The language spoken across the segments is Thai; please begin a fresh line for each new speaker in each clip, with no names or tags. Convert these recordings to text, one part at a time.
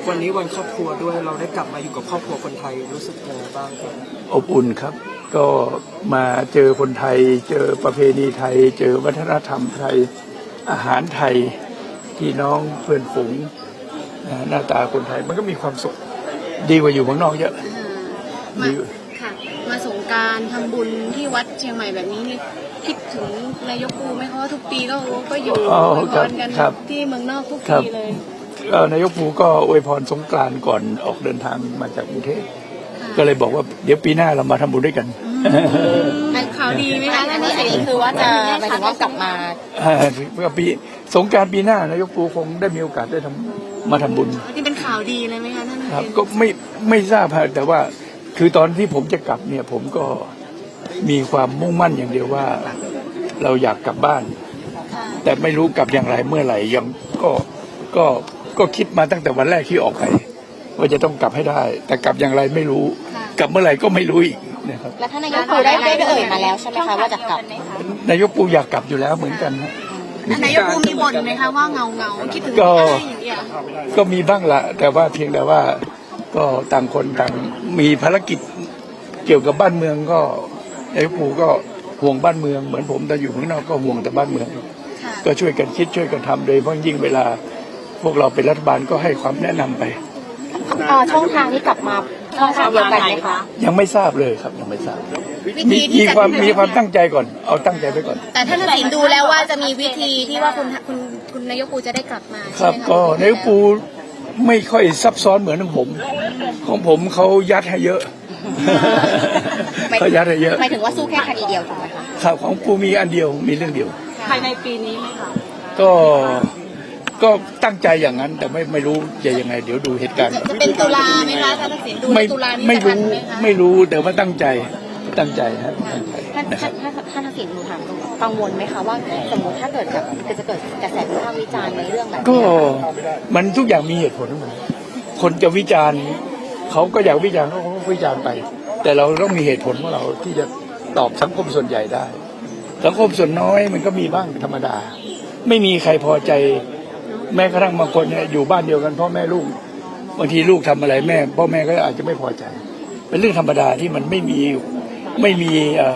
วันนี้วันครอบครัวด้วยเราได้กลับมาอยู่กับครอบครัวคนไทยรู้สึกยังไงบ้างครับ
อบอุ่นครับก็มาเจอคนไทยเจอประเพณีไทยเจอวัฒนธรรมไทยอาหารไทยพี่น้องเพื่อนฝูงหน้าตาคนไทยมันก็มีความสุขดีกว่าอยู่เมืองนอกเยอะ
ค่ะมาสงกรานต์ทำบุญที่วัดเชียงใหม่แบบนี้นี่คิดถึงนายกปูไหมคะว่าทุกปีก็อยู่อวยพรกันที่เมืองนอกทุกปีเลย
นายกปูก็อวยพรสงกรานต์ก่อนออกเดินทางมาจากกรุงเทพก็เลยบอกว่าเดี๋ยวปีหน้าเรามาทำบุญด้วยกัน
ข่าวดีไหมคะ
อันนี้คือว่าจะหมายถึงว่ากลับมา
ปีสงกรานต์ปีหน้านายกปูคงได้มีโอกาสได้มาทำบุญ
นี่เป็นข่าวดีเลยไหมคะท่าน
ครับก็ไม่ทราบแต่ว่าคือตอนที่ผมจะกลับเนี่ยผมก็มีความมุ่งมั่นอย่างเดียวว่าเราอยากกลับบ้านแต่ไม่รู้กลับอย่างไรเมื่อไหร่ยังก็คิดมาตั้งแต่วันแรกที่ออกไปว่าจะต้องกลับให้ได้แต่กลับอย่างไรไม่รู้กลับเมื่อไหร่ก็ไม่รู้อีกนะครับ
แล้วท่านนายกปูได้เอ่ยมาแล้วใช่ไหมคะว่าจะกลับ
นายกปูอยากกลับอยู่แล้วเหมือนกัน
นายกปูมีบ่นไหมคะว่าเงาคิดถึง
ก็มีบ้างละแต่ว่าเพียงแต่ว่าก็ต่างคนต่างมีภารกิจเกี่ยวกับบ้านเมืองก็นายกปูก็ห่วงบ้านเมืองเหมือนผมแต่อยู่ข้างนอกก็ห่วงแต่บ้านเมืองก็ช่วยกันคิดช่วยกันทำโดยเฉพาะยิ่งเวลาพวกเราเป็นรัฐบาลก็ให้ความแนะนำไป
ช่องทางนี้กลับมาช่องทางเดียวกันไหมคะ
ยังไม่ทราบเลยครับยังไม่ทราบมีความตั้งใจก่อนเอาตั้งใจไว้ก่อน
แต่ท่านทักษิณดูแล้วว่าจะมีวิธีที่ว่าคุณนายกปูจะได้กลับมา
ครับก็นายกปูไม่ค่อยซับซ้อนเหมือนของผมเขายัดให้เยอะเขายัดให้เยอะ
หมายถึงว่าสู้แค่คดีเดียวถูกไหมคะ
ครับของปูมีอันเดียวมีเรื่องเดียว
ภายในปีนี้ไหมคะ
ก็ตั้งใจอย่างนั้นแต่ไม่รู้จะยังไงเดี๋ยวดูเหตุการณ์
จะเป็นตุลาไหมคะท่านทักษิณดูตุลานี้
ไม่รู้แต่ว่าตั้งใจครับ
ท่านทักษิณหนูถามกังวลไหมคะว่าสมมติถ้าเกิดแบบจะเกิดกระแสวิพากษ์วิจารณ์ในเรื่องแบบ
ก็มันทุกอย่างมีเหตุผลทั้งหมดคนจะวิจารณ์เขาก็อยากวิจารณ์เขาก็วิจารณ์ไปแต่เราต้องมีเหตุผลของเราที่จะตอบสังคมส่วนใหญ่ได้สังคมส่วนน้อยมันก็มีบ้างธรรมดาไม่มีใครพอใจแม้กระทั่งบางคนเนี่ยอยู่บ้านเดียวกันพ่อแม่ลูกบางทีลูกทำอะไรพ่อแม่ก็อาจจะไม่พอใจเป็นเรื่องธรรมดาที่มันไม่มี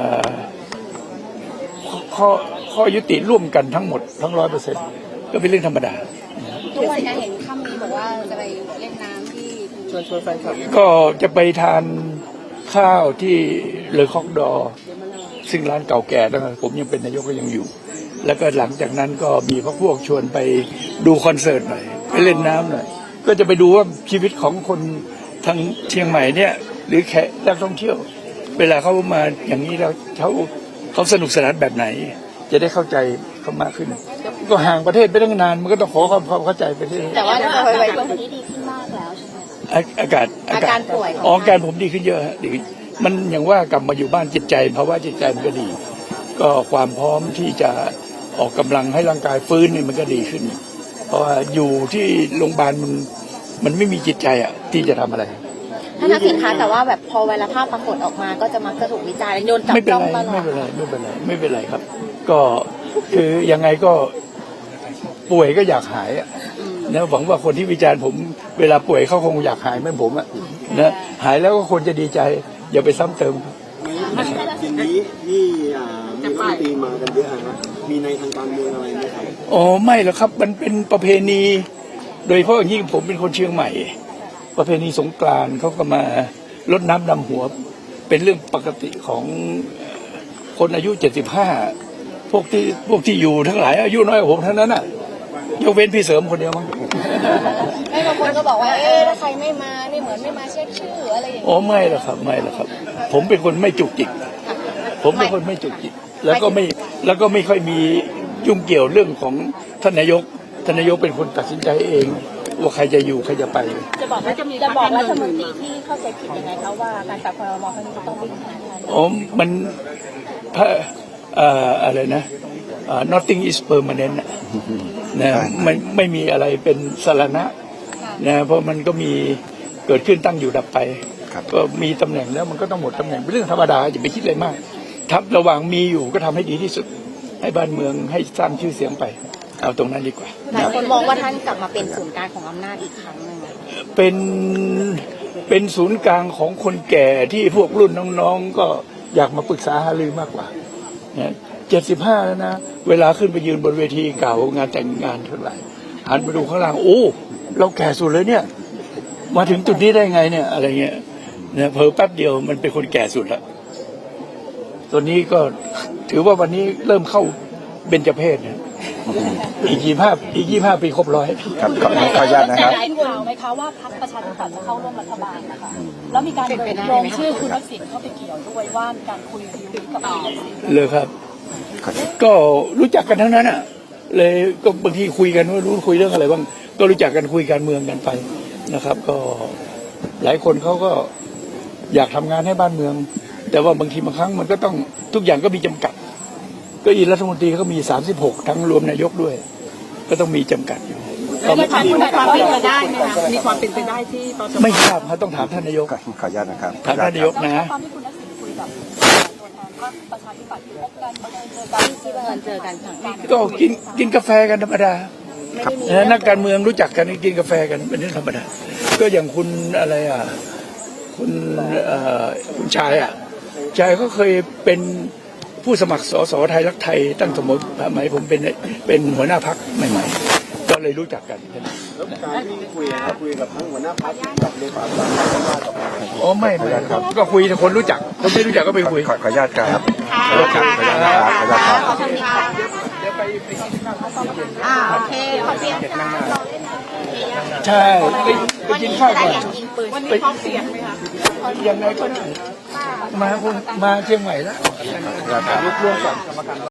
ข้อยุติร่วมกันทั้งหมดทั้ง 100% ก็เป็นเรื่องธรรมดา
ทุกวันนี้เห็นค่ำนี้บอกว่าจะไปเล่นน้ำที่
ชวนแฟนคลับ
ก็จะไปทานข้าวที่เลอคอกดอซึ่งร้านเก่าแก่ตั้งแต่ผมยังเป็นนายกก็ยังอยู่แล้วก็หลังจากนั้นก็มีพวกชวนไปดูคอนเสิร์ตหน่อยไปเล่นน้ำหน่อยก็จะไปดูว่าชีวิตของคนทางเชียงใหม่เนี่ยหรือแขกนักท่องเที่ยวเวลาเขามาอย่างนี้แล้วเขาสนุกสนานแบบไหนจะได้เข้าใจเขามากขึ้นก็ห่างประเทศไปตั้งนานมันก็ต้องขอความเข้าใจไปที่
แต่ว่าไปช่วงนี้ดีขึ้นมากแล้วใช่ไหม
อาการ
ป่วย
อาการผมดีขึ้นเยอะดีมันอย่างว่ากลับมาอยู่บ้านจิตใจภาวะจิตใจมันก็ดีก็ความพร้อมที่จะออกกำลังให้ร่างกายฟื้นนี่มันก็ดีขึ้นเพราะว่าอยู่ที่โรงพยาบาลมันไม่มีจิตใจที่จะทำอะไร
ท่านทักษิณคะแต่ว่าแบบพอเวลาภาพปรากฏออกมาก็จะมักจะถูกวิจารณ์โยนจับจ้องตลอด
ไม่เป็นไรครับก็คือยังไงก็ป่วยก็อยากหายนะหวังว่าคนที่วิจารณ์ผมเวลาป่วยเขาคงอยากหายเหมือนผมนะหายแล้วก็คนจะดีใจอย่าไปซ้ำเติม
ทีนี้มีตีมากันเยอะนะมีในทางการเมืองอะไรไหมครับ
อ๋อไม่หรอกครับมันเป็นประเพณีโดยเฉพาะอย่างยิ่งผมเป็นคนเชียงใหม่ประเพณีสงกรานต์เขาก็มารดน้ำดำหัวเป็นเรื่องปกติของคนอายุ75พวกที่อยู่ทั้งหลายอายุน้อยกว่าผมทั้งนั้นยกเว้นพี่เสริมคนเดียวมั้ง
บางคนก็บอกว่าถ้าใครไม่มานี่เหมือนไม่มาเช็คชื่ออะไรอย่างนี้
อ๋อไม่หรอกครับผมเป็นคนไม่จุกจิกแล้วก็ไม่ค่อยมียุ่งเกี่ยวเรื่องของท่านนายกเป็นคนตัดสินใจเองว่าใครจะอยู่ใครจะไป
จะบอกรัฐมนตรีที่เข้าใจผิดยังไงคะว่าการปรับครม.ครั้งนี้ต้องเป็นทางการ
อ๋อมันอะไรนะnothing is permanent นะไม่มีอะไรเป็นสารณะนะเพราะมันก็มีเกิดขึ้นตั้งอยู่ดับไปก็มีตำแหน่งแล้วมันก็ต้องหมดตำแหน่งเป็นเรื่องธรรมดาอย่าไปคิดอะไรมากทับระหว่างมีอยู่ก็ทำให้ดีที่สุดให้บ้านเมืองให้สร้างชื่อเสียงไปเอาตรงนั้นดีกว่า
หลายคนมองว่าท่านกลับมาเป็นศูนย์กลางของอำนาจอีกครั้งนึง
เป็นศูนย์กลางของคนแก่ที่พวกรุ่นน้องๆก็อยากมาปรึกษาหารือมากกว่าเนี่ย75แล้วนะเวลาขึ้นไปยืนบนเวทีเก่างานแต่งงานเท่าไหร่หันไปดูข้างล่างโอ้เราแก่สุดเลยเนี่ยมาถึงจุดนี้ได้ไงเนี่ยอะไรเงี้ยเนี่ยเผลอแป๊บเดียวมันเป็นคนแก่สุดแล้วตัวนี้ก็ถือว่าวันนี้เริ่มเข้าเบญจเพศเนี่ยอีก25 ปีครบ100
ครับขออนุญาตนะครับ
ได้ข่าวไหมคะว่าพรรคประชาธิปัตย์จะเข้าร่วมรัฐบาลนะคะแล้วมีการโยงชื่อคุณทักษิณเข้าไปเกี่ยวด้วยว่ามีการคุยดีลกับคุณทักษิณ
เลยครับ ก็รู้จักกันทั้งนั้นอ่ะเลยก็บางทีคุยกันว่ารู้คุยเรื่องอะไรบ้างก็รู้จักกันคุยการเมืองกันไปนะครับ ก็หลายคนเขาก็อยากทำงานให้บ้านเมือง แต่ว่าบางทีบางครั้งมันก็ต้องทุกอย่างก็มีจำกัดก็อีรัฐมนตรีก็มี36ทั้งรวมนายกด้วย ก็ต้องมีจำกัดอยู่
มีความเป็นไปได้ไหมคะมีความเป็นไปได้ที่ตอน
ไม่ทราบครับต้องถามท่านนายก
ขออนุญาตนะครับ
ถามท่านนายกนะ
ตอนที่คุณทักษิณคุยกับตัวแทนพรรคประชาธิปัตย์พบกันบังเอิญเจอกัน
ที่บังเอิญเจอกันค่ะ
ก็กินกาแฟกันธรรมดานักการเมืองรู้จักกันกินกาแฟกันเป็นเรื่องธรรมดาก็อย่างคุณอะไรคุณชายชายก็เคยเป็นผู้สมัครสสไทยรักไทยตั้งสมัยผมเป็นหัวหน้าพรรคใหม่ๆก็เลยรู้จักกัน
แล้วการที่คุยกับทั้งหัวหน้าพรรคกับเลขาธิการ
อ๋อไม่ครับก็คุยแต่คนรู้จักคนไม่รู้จักก็ไปคุย
ขออนุญาตครับ
ขอบคุณค่ะขอบคุณค่ะ โอเคขอบคุณค่ะ
ใช่ไปกินข้าวก่อน
วันนี้พร้อมเสียงไหมคะ
ยังไงก็ได้มาเชียงใหม่แล้วรวมกัน